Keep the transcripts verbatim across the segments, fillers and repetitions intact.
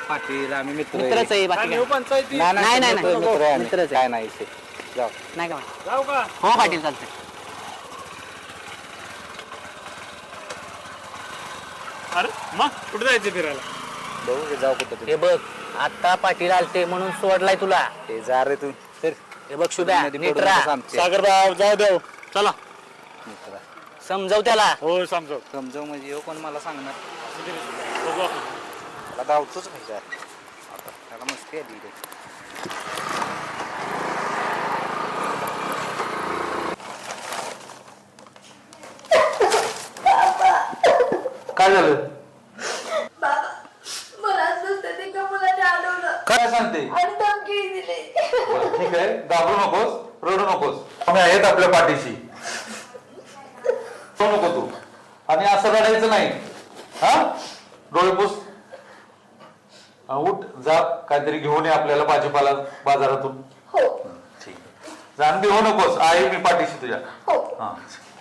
पाटील आम्ही मित्र मित्रच आहे बाकी काय. पंचायती नाही नाही, नाही, नाही. मित्र आहे आम्ही. मित्रच आहे. काय नाही इथे. जाऊ नाही का जाऊ का हो पाटील चालतंय. अरे मग कुठे जायचं फिरायला बघू की जाऊ कुठं हे बघ आता पाटील आलते म्हणून सोडलाय तुला. ते जा रे तू तर हे बघ शुभ्या मध्ये नीट पडू राहा. नकोस आमचे. सागर भाऊ जाऊ देव चला मित्र. समजव त्याला. हो समजव समजव म्हणजे येऊ कोण मला सांगणार बघू आपण. मला धावतोच पाहिजे आता त्याला मस्ती आली इथे. काय झालं मला असं ते का मुलाने अडवलं काय सांगते आणि धमकी दिली. बरं, ठीक आहे घाबरू नकोस रडू नकोस आम्ही आहेत आपल्या पाठीशी रडू नको तू आणि असं रडायचं नाही हा डोळे पुस हा, उठ जा काहीतरी घेऊन ये आपल्याला भाजीपाला बाजारातून हो ठीक आहे जाण भिवू नकोस आहे मी पाठीशी तुझ्या हो हा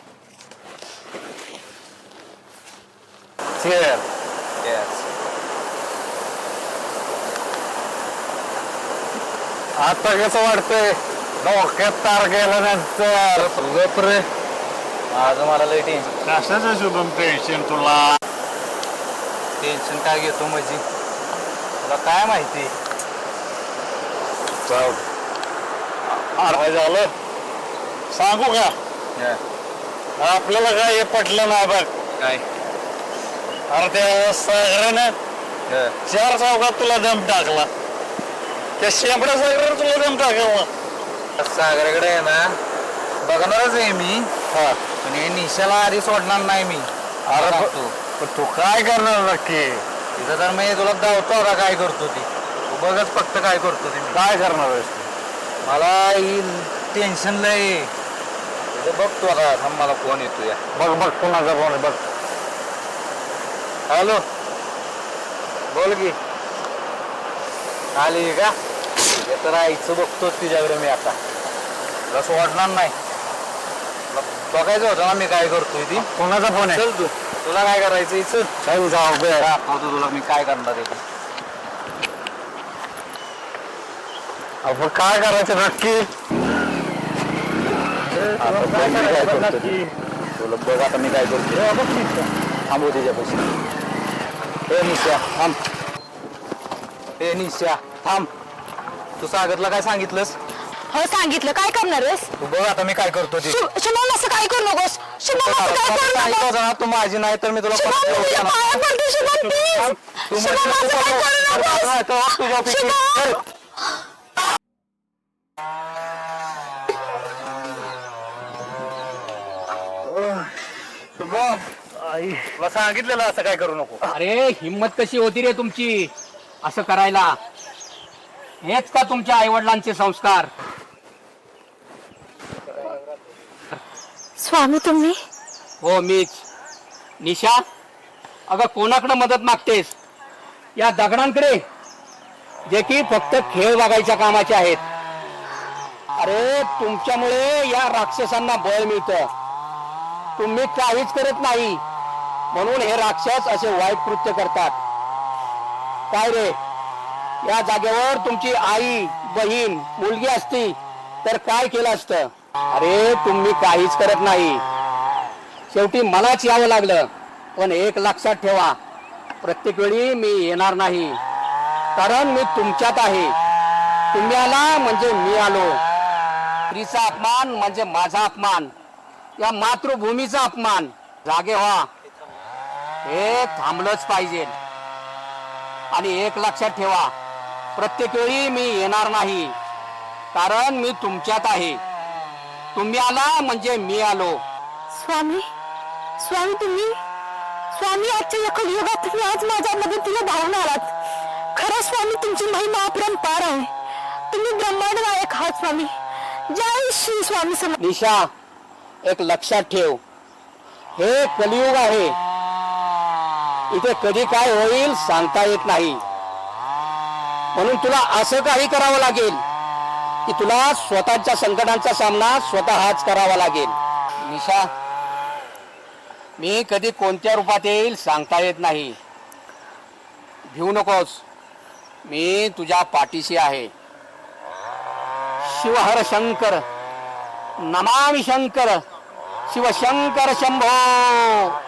Yes. आता कसं वाटतंय डोक्यात तार गेल्यानंतर गप रे आज मला लय टेन्शन कशाचं शुभम टेन्शन तुला टेन्शन काय घेतो म्हणजे तुला काय माहिती काय झालं सांगू का आपल्याला काय हे पटलं नाही बघ. काय अरे त्या सागरानं चार चौकात तुला दम टाकला त्या शेंबड्या सागरानं तुला दम टाकला. सागराकडे आहे ना बघणारच आहे मी हा पण हे निशाला आधी सोडणार नाही मी अरे सांगतो. पण तू काय करणार नक्की तिथं तर मी तुला धावतो का काय करतो ती तू बघच फक्त काय करतो ते मी काय करणार आहेस तू? मला ही टेन्शन लय इथं बघ तू आता थांब मला फोन येतो या बघ बघ कोणाचा फोन आहे बघ. हॅलो बोल की आली का हे तर आईचं बघतोच तुझ्याकडे मी आता तुला सोडणार नाही तुला बघायचं होतं ना मी काय करतोय ती कोणाचा फोन आहे? चल तू तुला काय करायचं चल चल जाऊ बे. दाखवतो तुला मी काय करणार आहे ते. आपण काय करायचं नक्की? आता बघ मी काय करतो ते. तुला बघ आता मी काय करतो थांबू तिच्यापाशी ए निशा थांब ए निशा थांब तू सागरला काय सांगितलंस हो सांगितलं काय करणार आहेस तू बघ आता मी काय करतो ते शुभ- शुभम असं काय करू नकोस शुभम असं काय करू सांगितलं नकोस होतं ना, तू माझी नाही तर मी तुला शुभम परत मी तुझ्या बोलतो ना. पाया पडते शुभम प्लीज तू शुभम असं काय करू नकोस तुझ्या शुभम तुला सांगितलेलं असं काय करू नको. अरे हिम्मत कशी होती रे तुमची असं करायला. हेच का तुमच्या आई वडिलांचे संस्कार. स्वामी तुम्ही हो मीच. निशा अगं कोणाकडे मदत मागतेस या दगडांकडे जे की फक्त खेळ बघायच्या कामाचे आहेत. अरे तुमच्यामुळे या राक्षसांना बळ मिळतं. तुम्ही काहीच करत नाही म्हणून हे राक्षस असे वाईट कृत्य करतात. काय रे या जागेवर तुमची आई बहीण मुलगी असती तर काय केलं असतं. अरे तुम्ही काहीच करत नाही. शेवटी मलाच यावं लागलं. पण एक लक्षात ठेवा प्रत्येक वेळी मी येणार नाही कारण मी तुमच्यात आहे. तुम्ही आला म्हणजे मी आलो. स्त्रीचा अपमान म्हणजे माझा अपमान. या मातृभूमीचा अपमान. जागे व्हा हे थांबलंच पाहिजे. आणि एक लक्षात ठेवा प्रत्येक वेळी मी येणार नाही कारण मी तुमच्यात आहे. तुम्ही आला म्हणजे मी आलो. स्वामी स्वामी तुम्ही स्वामी आजच्या या कलियुगात तुम्ही आज माझ्या मदतीला धावून आलात. खरं स्वामी तुमची महिमा अपरंपार आहे. तुम्ही ब्रह्मांड नायक आहात स्वामी. जय श्री स्वामी समर्थ. निशा एक लक्षात ठेव हे कलियुग आहे. इथे कधी काय होईल सांगता येत नाही. म्हणून तुला असं काही करावं लागेल की तुला स्वतःच्या संकटांचा सामना स्वतःच करावा लागेल. निशा मी कधी कोणत्या रूपात येईल सांगता येत नाही. भिवू नकोस. मी तुझ्या पाठीशी आहे. शिवहर शंकर, नमामि शंकर, शिवशंकर शंभो.